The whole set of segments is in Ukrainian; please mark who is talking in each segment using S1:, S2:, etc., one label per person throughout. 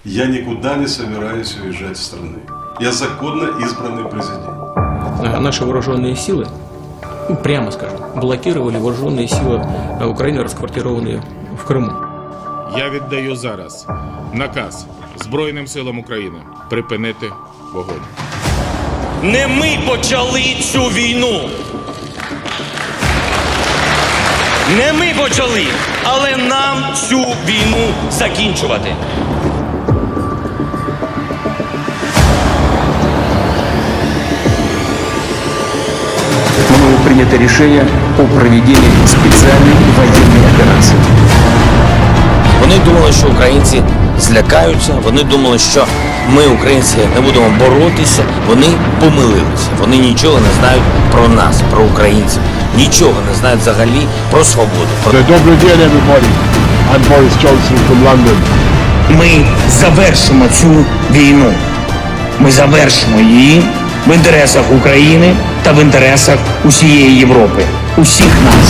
S1: Я никуда не собираюсь уезжать из страны. Я законно избранный президент.
S2: Наши вооруженные силы, прямо скажем, блокировали вооруженные силы Украины, расквартированные в Крыму.
S3: Я віддаю зараз наказ Збройним силам України припинити вогонь.
S4: Не ми почали цю війну. Не ми почали, але нам цю війну закінчувати.
S5: Мною принято решение о проведении специальной военной операции.
S6: Вони думали, що українці злякаються, вони думали, що ми, українці, не будемо боротися. Вони помилилися. Вони нічого не знають про нас, про українців. Нічого не знають взагалі про свободу.
S7: Добрий день, everybody. I'm Boris Johnson from London.
S8: Ми завершимо цю війну. Ми завершимо її в інтересах України та в інтересах усієї Європи. Усіх нас.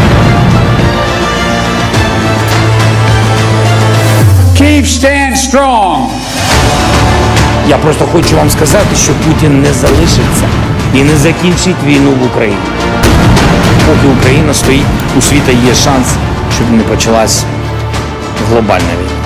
S9: Keep stand strong.
S8: Я просто хочу вам сказати, що Путін не залишиться і не закінчить війну в Україні. Поки Україна стоїть, у світу є шанс, щоб не почалась глобальна війна.